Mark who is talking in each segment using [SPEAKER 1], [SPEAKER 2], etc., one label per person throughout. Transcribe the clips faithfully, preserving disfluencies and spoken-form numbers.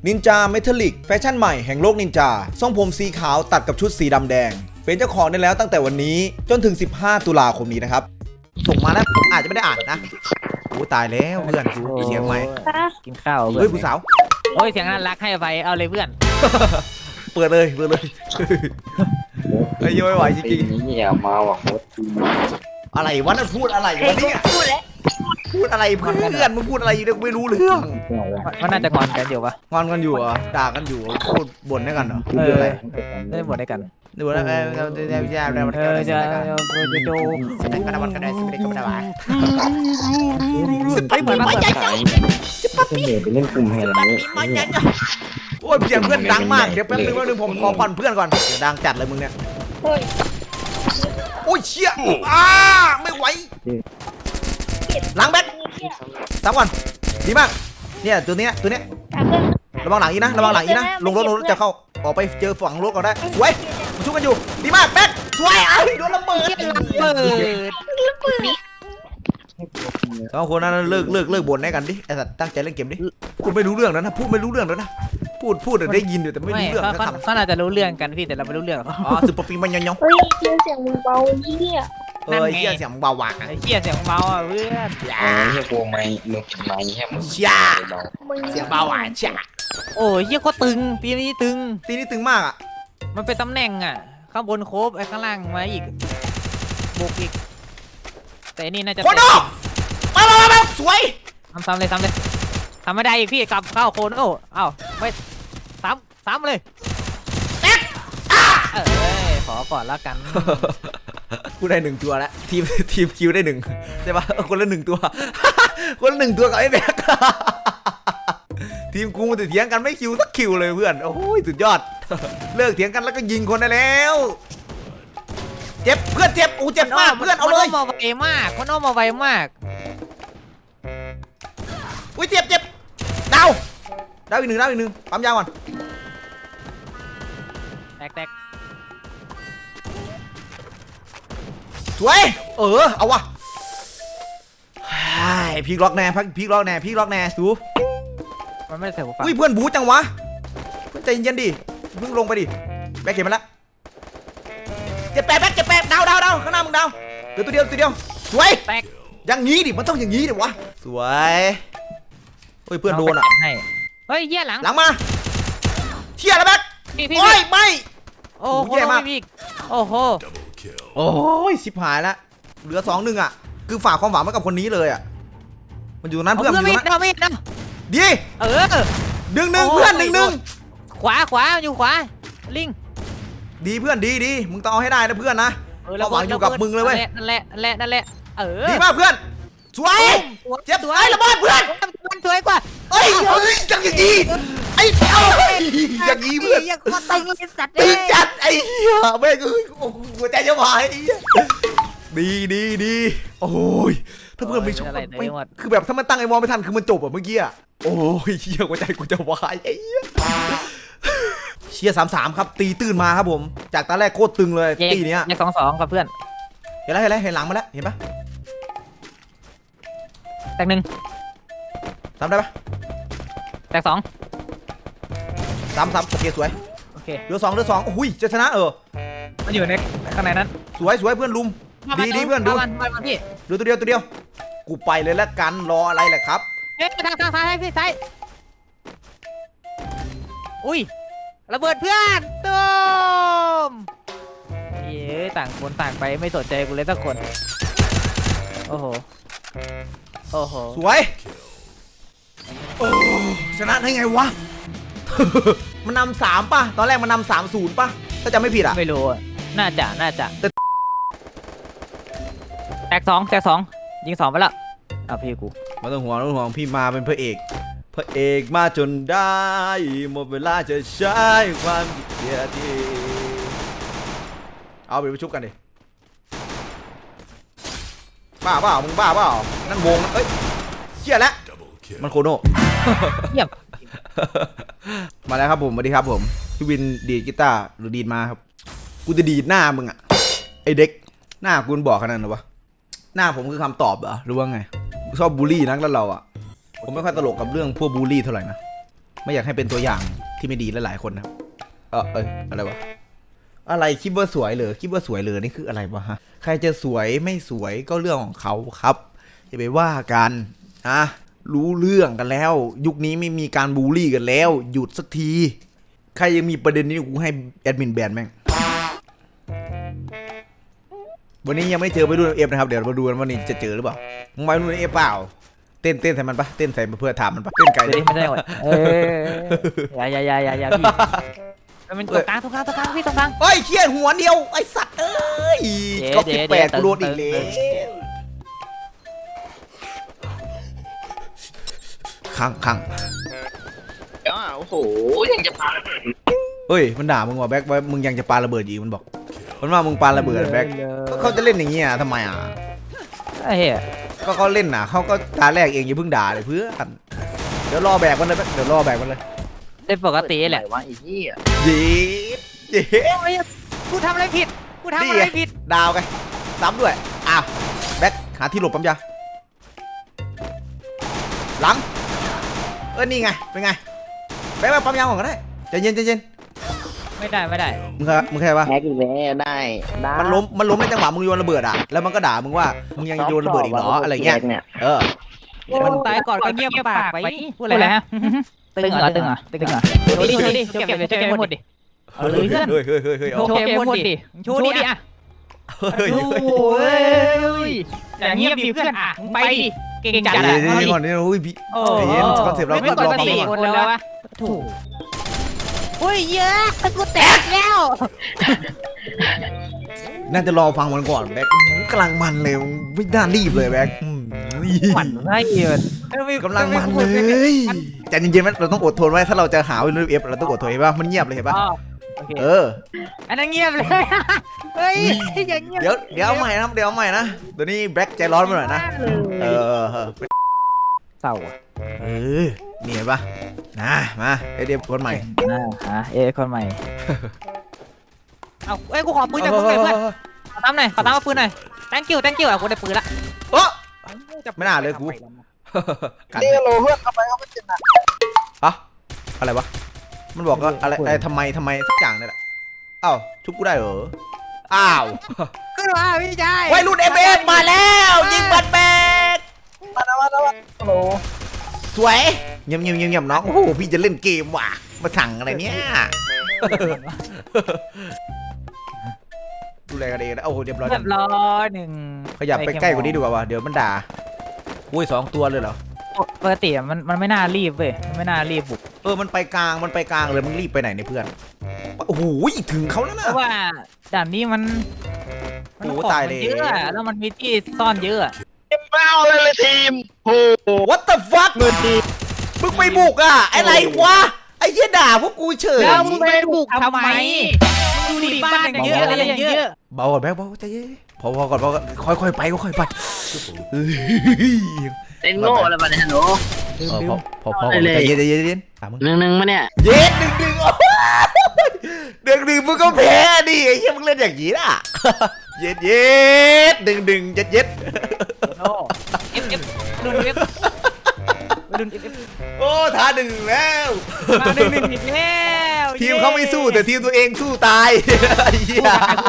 [SPEAKER 1] นินจาเมทัลลิกแฟชั่นใหม่แห่งโลกนินจาทรงผมสีขาวตัดกับชุดสีดำแดงเป็นเจ้าของได้แล้วตั้งแต่วันนี้จนถึงสิบห้าตุลาคมนี้นะครับส่งมาแล้วผมอาจจะไม่ได้อ่านนะโอ้ตายแล้วเพื่อนกูเสียงไหม
[SPEAKER 2] กินข้าว
[SPEAKER 1] เฮ้ยผู้สาว
[SPEAKER 2] โอ้ยเสียงน่ารักให้ไปเอาเลยเพื่อน
[SPEAKER 1] เปิดเลยเปิดเลยไอ้ย้อยไหวจริง
[SPEAKER 3] ๆนี่อย่ามาว่ะโคตร
[SPEAKER 1] อะไรวะนั่นพูดอะไรวะเนี่ย
[SPEAKER 4] พูดแล้ว
[SPEAKER 1] พูดอะไรเพื่อนมึงพูดอะไรอยู่เนี่ยไม่รู้เรื่อง
[SPEAKER 2] มันน่าจะงอนกันอยู่ปะ
[SPEAKER 1] งอนกันอยู่เหรอด่ากันอยู่พูดบ่นได้กันเหรอ
[SPEAKER 2] เออได้บ่นได้กัน
[SPEAKER 1] ดูแล้วเออเออเออจะจะ
[SPEAKER 2] เออจะจะดู
[SPEAKER 1] กระดับกระดับสิบเอ็ดกระดับ
[SPEAKER 2] สิบปีเหมือนมาเปิดขาย
[SPEAKER 3] สิบปีไปเล่นกลุ่มแห่งนี้
[SPEAKER 1] โอ้ยเสียงเพื่อนดังมากเดี๋ยวแป๊บนึงแป๊บนึงผมขอผ่อนเพื่อนก่อนเดี๋ยวดังจัดเลยมึงเนี่ยโอ้ยเชี่ยอ้าไม่ไหวหลังแบทสามก่อนดีมากเนี่ยตัวนี้ตัวนี้ระวังหลังอีนะระวังหลังอีนะลงรถลงรถจะเข้าออกไปเจอฝั่งรถก่อนได้สวยมาชุบกันอยู่ดีมากแบทสวยไอ้โดนระเบิด
[SPEAKER 2] เปิด
[SPEAKER 1] สองคนนั้นเลิกเลิกเลิกบ่นให้กันดิไอ้สัตว์ตั้งใจเล่นเกมดิพูดไม่รู้เรื่องแล้วนะพูดไม่รู้เรื่องแล้วนะพูดพูดได้ยินอยู่แต่ไม่รู้เรื่อง
[SPEAKER 2] เขาเขาน่าจะรู้เรื่องกันพี่แต่เราไม่รู้เรื่อง
[SPEAKER 1] อ๋อสุดปปีมันยังยัง
[SPEAKER 4] เฮ้ยเสียงมึงเบาเหี้ย
[SPEAKER 1] เออเหี้ยเสียงเบาหวาน
[SPEAKER 2] ไอ้เหี้ยเสียงเบาอ่ะเพื่อน
[SPEAKER 3] เออเหี้ยโกงไม่มึงไม่แค่มึง
[SPEAKER 1] เชี่ยเสียงเบาหวานเชี่ย
[SPEAKER 2] โอ้ยเหี้ยก็ตึงตีนี้ตึง
[SPEAKER 1] ตีนี้ตึงมากอ่ะ
[SPEAKER 2] มันเป็นตำแหน่งอ่ะข้างบนโคบไอ้ข้างล่างมาอีกบุกอีกแต่นี่น่าจะ
[SPEAKER 1] โคโน่มามามาสวย
[SPEAKER 2] ทำซ้ำเลยซ้ำเลยทำไม่ได้อีกพี่กลับเข้าโคโน่เอ้าไม่ซ้ำซ้ำเลยเออขอก่อนแล้วกัน
[SPEAKER 1] กูได้หนึ่งตัวแล้วทีมทีมคิวได้หนึ่งใช่ปะคนละหนึ่งตัวคนละหนึ่งตัวกับไอ้แบ็คทีมกูมันจะเถียงกันไม่คิวสักคิวเลยเพื่อนโอ้ยสุดยอดเลิกเถียงกันแล้วก็ยิงคนได้แล้วเจ็บเพื่อนเจ็บอูเจ็บมากเพื่อนเอาเลย
[SPEAKER 2] มาไวมากคนอ้อมมาไวมาก
[SPEAKER 1] อุ้ยเจ็บเจ็บดาวดาวอีกหนึ่งดาวอีกหนึ่งปั๊มยาก่อน
[SPEAKER 2] แตกแตก
[SPEAKER 1] สวยเออเอาวะพีกล็อกแน่พีกล็อกแน่พีกล็อกแน่สู
[SPEAKER 2] มันไม่ได้ใส่หูฟัง
[SPEAKER 1] อุ้ยเพื่อนบู๊จังวะเพื่อนใจเย็นดิเพิ่งลงไปดิแบกเข็มมาแล้วเจ็บแปดแบกเจ็บแปดดาวดาวดาวข้างหน้ามึงดาวเดี๋ยวตัวเดียวตัวเดียวสวย
[SPEAKER 2] แตก
[SPEAKER 1] อย่างงี้ดิมันต้องอย่างงี้ดิวะสวยเฮ้ยเพื่อนโดนอ่ะ
[SPEAKER 2] เฮ้ยเยี่ยหลัง
[SPEAKER 1] หลังมาเที่ยแล้วแบกโอ้ยไม่
[SPEAKER 2] โอ้โหแย่มากโอ้โห
[SPEAKER 1] โอ้ยชิบหายแล้วเหลือสองหนึ่งอ่ะคือฝากความหวังไว้กับคนนี้เลยอ่ะมันอยู่นั้นเพื่อนอยู่นั้นดี
[SPEAKER 2] เออ
[SPEAKER 1] ดึงหนึ่งเพื่อนหนึ่งหนึ่ง
[SPEAKER 2] ขวาขวาอยู่ขวาลิง
[SPEAKER 1] ดีเพื่อนดีดีมึงต้องเอาให้ได้นะเพื่อนนะความหวังอยู่กับมึงเลยเว้ย
[SPEAKER 2] นั่นแหละนั่นแหละนั่นแหละเออ
[SPEAKER 1] ดีมากเพื่อนสวยเจ็บสวยระเบิดเพื่อน
[SPEAKER 2] มันสวยกว่า
[SPEAKER 1] เอ้ยเฮ้ยจังอย่างนี้ไอ้เอ้ยอย่างนี้เพื่อน
[SPEAKER 2] ยังก็ตึงเลยสัตว์
[SPEAKER 1] ตึงจัดไอ้เหี้ยแม่งโอ้โหหัวใจจะวายดีดีดีโอ้ยถ้าเพื่อนไม่ชอบคือแบบถ้ามันตั้งไอ้มองไม่ทันคือมันจบอ่ะเมื่อกี้อ่ะโอ้ยเหี้ยหัวใจกูจะวายไอ้เหี้ยเชียร์สามสามครับตีตื่นมาครับผมจากตอนแรกโคตรตึงเลยตีเนี้ย
[SPEAKER 2] ยังสองสองกับเพื่อน
[SPEAKER 1] เห็นแล้วเห็นแล้วเห็นหลังมาแล้วเห็นปะ
[SPEAKER 2] แตกหนึ่ง
[SPEAKER 1] ทำได้ปะ
[SPEAKER 2] แตกสอง
[SPEAKER 1] สามสามโอเคสวย
[SPEAKER 2] โอเค
[SPEAKER 1] เหลือสองเหลือสองโอ้ยจะชนะเออ
[SPEAKER 2] มันอยู่ในข้างในนั้น
[SPEAKER 1] สวยสวยเพื่อนลุมดีดีเพื่อนดูดูตัวเดียวตัวเดียวกูไปเลยแล้วกันรออะไรแหละครับ
[SPEAKER 2] เอ๊ะทางทางซ้ายพี่ซ้ายอุ้ยระเบิดเพื่อนตูมเย้ต่างคนต่างไปไม่สนใจกูเลยสักคนโอ้โหโอ้โห
[SPEAKER 1] สวยโอ้ชนะได้ไงวะมันนำสามป่ะตอนแรกมันนำสามศูนย์ป่ะถ้าจำไม่ผิดอ่ะ
[SPEAKER 2] ไม่รู้น่าจะน่าจะแตกสองแตกสองยิงสองไปแล้วเอาพี่กู
[SPEAKER 1] มาต้องห่วงต้องห่วงพี่มาเป็นพระเอกพระเอกมาจนได้หมดเวลาจะใช้ความเกียรติเอาไปประชุบกันดิบ้าเปล่ามึงบ้าเปล่านั่นวงเอ้ยเชี่ยแล้วมันโคโน่
[SPEAKER 2] เยี่ยม
[SPEAKER 1] มาแล้วครับผมสวัสดีครับผมพี่วินดีดกีตาร์หรือดีดมาครับกูจะดีดหน้ามึงอะไอเด็กหน้ากูบอกขนาดนั้นวะหน้าผมคือคำตอบเหรอหรือว่าไงชอบบูลลี่นักแล้วเราอะผมไม่ค่อยตลกกับเรื่องพวกบูลลี่เท่าไหร่นะไม่อยากให้เป็นตัวอย่างที่ไม่ดีหลายๆคนนะครับเออเอยอะไรวะอะไรคิดว่าสวยเหรอคิดว่าสวยเหรอนี่คืออะไรวะฮะใครจะสวยไม่สวยก็เรื่องของเขาครับอย่าไปว่ากันนะรู้เรื่องกันแล้ว ยุคนี้ไม่มีการบูลลี่กันแล้ว หยุดสักทีใครยังมีประเด็นนี้กูให้แอดมินแบนแม่งวันนี้ยังไม่เจอไปดูเอฟนะครับเดี๋ยวมาดูกันว่านี่จะเจอหรือเปล่ามึงไปดูเอฟเปล่าเต้นเต้นใส่มันปะเต้นใส่เพื่อถามมันปะเต้นไก่
[SPEAKER 2] เดี๋ยวไม่ได้หมดเอออย่าอย่าอย่าอย่าอย่าพี่มันเป็นตรงกลางตรงกลางตรงกลางพี่ตรงกลาง
[SPEAKER 1] เฮ้ยเขี้ยนหัวเดียวไอสัตว์เอ้ย
[SPEAKER 2] เดี๋ยว
[SPEAKER 1] ก็
[SPEAKER 2] เดี๋
[SPEAKER 1] สิบ
[SPEAKER 2] ยว
[SPEAKER 1] แปด
[SPEAKER 2] เดี๋ยว
[SPEAKER 1] กูโดนอีก
[SPEAKER 2] เติ
[SPEAKER 1] แล้
[SPEAKER 2] ม
[SPEAKER 1] วขังขัง
[SPEAKER 3] อ้าวโอ้โหยังจะพา
[SPEAKER 1] เฮ้ยมันด่ามึงว่าแบ็คว่ามึงยังจะปาระเบิดอีกมันบอกมันว่ามึงปาระเบิดแบ็คก็เขาจะเล่นอย่างเงี้ยทำไมอ่ะ
[SPEAKER 2] ไอ้เหี้ย
[SPEAKER 1] ก็เขาเล่นน่ะเขาก็ตาแรกเองอย่าเพิ่งด่าเลยเพื่อนเดี๋ยวรอแบกมันเลยแบ็คเดี๋ยวรอแบกมันเลย
[SPEAKER 2] เล่นปกติแหละ
[SPEAKER 3] ว่าไอ้เหี้ย
[SPEAKER 1] เย็ดเย็ด
[SPEAKER 2] กูทำอะไรผิดกูทำอะไรผิด
[SPEAKER 1] ดาวไงซ้ำด้วยอ้าวแบ็คหาที่หลบปั๊มยาหลังเออนี่ไงเป็นไงแบ็คมาปั๊มยาก่อนก็ได้ใจเย็นใจเย็น
[SPEAKER 2] ไม่ได้ไม่ได้
[SPEAKER 1] มึงเคยมึงเคยปะ
[SPEAKER 3] แฮกอีกแล้วได้ได้
[SPEAKER 1] มันล้มมันล้มในจังหวะมึงโยนระเบิดอ่ะแล้วมันก็ด่ามึงว่ามึงยังโยนระเบิดอีกเหรออะไรเงี้ยเออ
[SPEAKER 2] มันตายก่อนก็เงียบปากไปพูดอะไรฮะตึงเหรอตึงเหรอตึงเหรอโชว์ดิโชว์ดิโชว์เก็บโชว์เก็บหมดดิเอาเลยเพื่อน
[SPEAKER 1] เฮ้ยเฮ้ยเฮ้ยเฮ้ย
[SPEAKER 2] โชว์เก็บหมดดิโชว์ดิอ่ะ
[SPEAKER 1] เฮ้ย
[SPEAKER 2] โอ้ยอย่างเงียบดิเพื่อนอ่ะไปดิเก่งจัด
[SPEAKER 1] เดี๋
[SPEAKER 2] อ่ะ
[SPEAKER 1] ยวเดี๋ยวก่อนนี่โอ้ยพี่
[SPEAKER 2] โอ้
[SPEAKER 1] เย็นคอนเซ็ปต์เรา
[SPEAKER 2] ไม่
[SPEAKER 1] ก็
[SPEAKER 2] กด
[SPEAKER 1] รอ
[SPEAKER 2] ส
[SPEAKER 1] ฟัง
[SPEAKER 2] ติ
[SPEAKER 1] ก่อน
[SPEAKER 2] คนแล้ววะถูกโอ้ยเยอะตะกูแตกแล้ว
[SPEAKER 1] น่าจะรอฟังมันก่อนแบ็คกำลังมันเลยไม่น่ารีบเลยแบ็ค
[SPEAKER 2] หมันไส้เอิญ
[SPEAKER 1] กำลังมันเลยใจเย็นๆมันเราต้องอดทนไว้ถ้าเราจะหาวิลเอฟเราต้องอดทนเห็นป่ะมันเงียบเลยเห็นป่ะเออ
[SPEAKER 2] อันนั้นเงียบเลยเฮ้ยอย่างเงียบ
[SPEAKER 1] เดี๋ยวเดี๋ยวเอาใหม่นะเดี๋ยวเอาใหม่นะเดี๋ยวนี้แบ็คใจร้อนไปหน่อยนะเออ
[SPEAKER 2] เศร้า
[SPEAKER 1] เออนี่เห็นป่ะนะมาไอเดียคนใหม่
[SPEAKER 2] อ่าฮะเอ้คนใหม่เอาเอ้ยกูขอปืนจากมึงหน่อยเพื่อนขอตามหน่อยขอตามเอาปืนหน่อย thank you thank you อ่ะกูได้ปืนละ
[SPEAKER 1] โอ้ไม่น่าเลยกูกัน
[SPEAKER 3] นี่โลเพื่อนทำไมเขาไม่เจ็บนะ
[SPEAKER 1] อะอะไรวะมันบอกว่าอะไรอะไรทำไมทำไมสักอย่างนี่แหละอ้าวชุบกูได้เหรออ้าว
[SPEAKER 2] ก็ว่าพี่ชาย
[SPEAKER 1] วัยรุ่นเอเอฟมาแล้วยิงบัตรแบก
[SPEAKER 3] มาแล้วมาแล้วโอ้โห
[SPEAKER 1] สวยเงียบเงียบเงียบเงียบน้องโอ้โหพี่จะเล่นเกมว่ะมาสั่งอะไรเนี่ยดูแลกันเองนะโอ้โหเรียบร้อย
[SPEAKER 2] เรียบร้อยหนึ่ง
[SPEAKER 1] ขยับไปใกล้กว่านี้ดีกว่าวะเดี๋ยวมันด่าอุ้ยสองตัวเลยเหรอ
[SPEAKER 2] ปกติมันมันไม่น่ารีบเว้ยมันไม่น่ารีบบุก
[SPEAKER 1] เออมันไปกลางมันไปกลางเลยมึงรีบไปไหนเนี่ยเพื่อนโอ้โหถึงเขาแล้ว
[SPEAKER 2] เพ
[SPEAKER 1] นะ
[SPEAKER 2] ราะว่าด่านนี้มันมัน
[SPEAKER 1] โอ้
[SPEAKER 2] ของ
[SPEAKER 1] ตาย
[SPEAKER 2] มัน
[SPEAKER 1] เลย
[SPEAKER 2] เยอะแล้วมันมีที่ซ่อนเยอะ
[SPEAKER 3] ไม่เอาเลยเลยทีมโอ้โห
[SPEAKER 1] What the fuck
[SPEAKER 3] เงินที
[SPEAKER 1] มึงไปบุกอ่ะอะไรวะไอ้เหี้ยด่าพวกกูเฉย
[SPEAKER 2] แล้วมึงไปบุกทำไมดูดิบ้านอย่างเยอะอะไรอย่างเยอะ
[SPEAKER 1] เบาก่อนแบ๊กเบาใจเย็นพอพอก่อนพอก่อนค่อยๆไปค่อยๆไป
[SPEAKER 3] เต้นโง่อะไรมาเนี่ยหนู
[SPEAKER 1] เออพอพอพอก่อนใจเย็นใจเย็นใจเย็นตามมึง
[SPEAKER 3] หนึ่งหนึ่งมาเนี่ย
[SPEAKER 1] เย็นหนึ่งหนึ่งโอ้ยหนึ่งหนึ่งมึงก็แพ้ดิไอ้เหี้ยมึงเล่นอย่างนี้น่ะเย็นเย็นหนึ่งหนึ่งเย็ดเย็ด
[SPEAKER 2] โอ้เอฟเอฟรุ่นเอฟรุ่นเอฟเอฟ
[SPEAKER 1] โอ้ท้าหนึ่งแล้ว
[SPEAKER 2] มาหนึ่งหนึ่งอีกแล้ว
[SPEAKER 1] ทีมเขาไม่สู้แต่ทีมตัวเองสู้ตายไอ้เหี้ย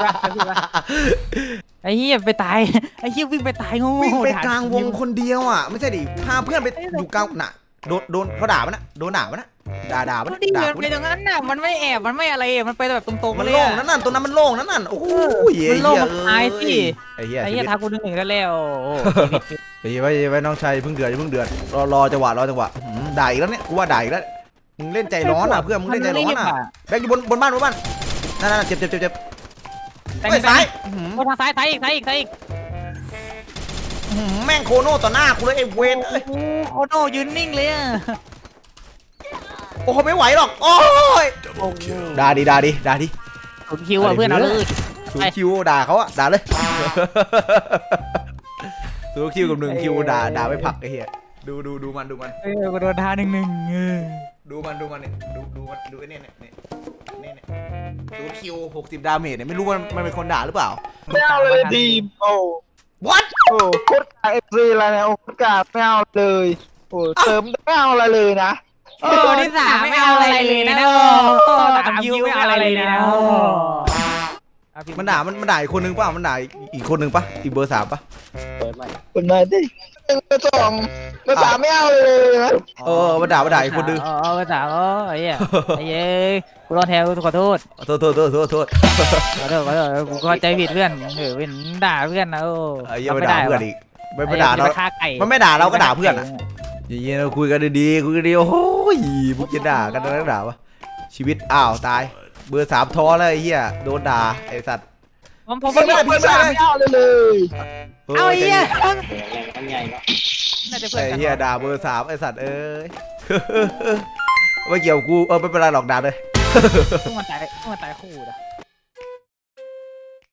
[SPEAKER 2] ไอ้เหี้ยไปตายไอ้เหี้ยวิ่งไปตายโง่
[SPEAKER 1] วิ่งไปกลางวงคนเดียวอ่ะไม่ใช่ดิพาเพื่อนไปอยู่กลางน่ะโดนโดนเขาด่ามันนะโดนด่ามันนะด่าด่ามัน
[SPEAKER 2] ดิ
[SPEAKER 1] ด่า
[SPEAKER 2] มันไปตรงนั้นน่ะมันไม่แอบมันไม่อะไรมันไปแบบตรงๆ
[SPEAKER 1] มั
[SPEAKER 2] กัน นเลย
[SPEAKER 1] โล่งนั่นน่ะตัวนั้นมันโล่งนั่นน่ะโอ้โห
[SPEAKER 2] มันโล่งมันตายสิ
[SPEAKER 1] ไอ้เหี้ย
[SPEAKER 2] ไอ้เหี้ยทากูหนึ่งหนึ่งแล้วแล้ว
[SPEAKER 1] ไอ้เหี้ยไว้ไว้น้องชายเพิ่งเดือดเพิ่งเดือดรอรอจังหวะรอจังหวะด่าอีกแล้วเนี่ยกูว่าด่าอีกแล้วมึงเล่นใจร้อนอ่ะเพื่อนมึงเล่นใจร้อนอ่ะแบกอยู่บนบนบ้านบนบ้านนั่นนั่นเจ็บเจ็บเจ็บเจ็บ
[SPEAKER 2] แต่
[SPEAKER 1] ไปซ้าย
[SPEAKER 2] โอ้ทางซ้ายซ้ายอีกซ้ายอีกซ้ายอีก
[SPEAKER 1] แม่งโคโน่ต่อหน้ากูเลยไอ้เวนเอ้ย
[SPEAKER 2] โอ้โคโน่ยืนนิ่งเลยอ่ะ
[SPEAKER 1] โอ้โหไม่ไหวหรอกโอ้ยด่าดิด่าดิด่าดิ
[SPEAKER 2] ผมคิวอ่ะเพื่อนเอาเลย
[SPEAKER 1] ศูนย์คิวด่าเขาอะด่าเลยศูนย์คิวกับหนึ่งคิวด่าด่าไม่พักไอ้เหี้ยดูดูดูมันดูมัน
[SPEAKER 2] เออกูโดนท่าหนึ่งหนึ่ง
[SPEAKER 1] ดูมันดูมันเนี่ยดูดูมันดูไอ้เนี่ยเนี่ยเนี่ยเนี่ยศูนย์คิวหกสิบดาเมจเนี่ยไม่รู้ว่ามันเป็นคนด่าหรือเปล่า
[SPEAKER 3] ไม่เอาเลยทีมโอ้
[SPEAKER 1] what
[SPEAKER 3] โหโคตรกาเอฟซีอะไรเนี่ยโอ้โคตรกาไม่เอาเลยโอ้เติมไม่เอาอะไรเลยนะ
[SPEAKER 2] โอ้ที่สามไม่เอาอะไรเลยนะโอ้สามคิวไม่เอาอะไรเลยนะโอ้
[SPEAKER 1] มันด่ามันมันด่าอีกคนนึงป่ะมันด่าอีกคนนึงป่ะอีกเบอร์สามป่ะ
[SPEAKER 3] คนมาดิหนึ่งสองเบอร์สามไม่เอาเลยนะ
[SPEAKER 1] เออมันด่ามันด่าอีกคนนึง
[SPEAKER 2] เออเบอร์สามโอ้ยไอ้เย้กูรอแทนกูขอโทษ
[SPEAKER 1] โทษโทษโทษโทษโทษ
[SPEAKER 2] ขอโทษขอโทษกูเข้าใจผิดเพื่อนเออเป็นด่าเพื่อนนะโอ้
[SPEAKER 1] ไอ้เหี้ยังไม่ด่าเพื่อนอีกไม่ไม่ด่าเรา
[SPEAKER 2] ฆ่าไก่
[SPEAKER 1] มันไม่ด่าเราก็ด่าเพื่อนอ่ะอย่างเงี้ยเราคุยกันดีๆคุยกันดีโอ้โหพวกจะด่ากันนักด่าวะชีวิตอ้าวตายเบอร์สามท้อแล้วไอ้เหี้ยโดนด่าไอ้สัตว์
[SPEAKER 2] ผมผม
[SPEAKER 1] ไม่ได้
[SPEAKER 3] เบอร์สามไม่เอาเลยเลย
[SPEAKER 2] เอาไอ้เหี้ย
[SPEAKER 3] มันใหญ่เนาะ
[SPEAKER 2] น่าจะเพื่อน
[SPEAKER 1] ไอ้
[SPEAKER 2] กัน
[SPEAKER 1] เหี้ยด่าเบอร์สามไอ้สัตว์เอ้ยไม่เกี่ยวกูเออไม่เป็นไรหรอกด่าเลย
[SPEAKER 2] เพิ่งมาตายเพิ่งมาตายคู่นะ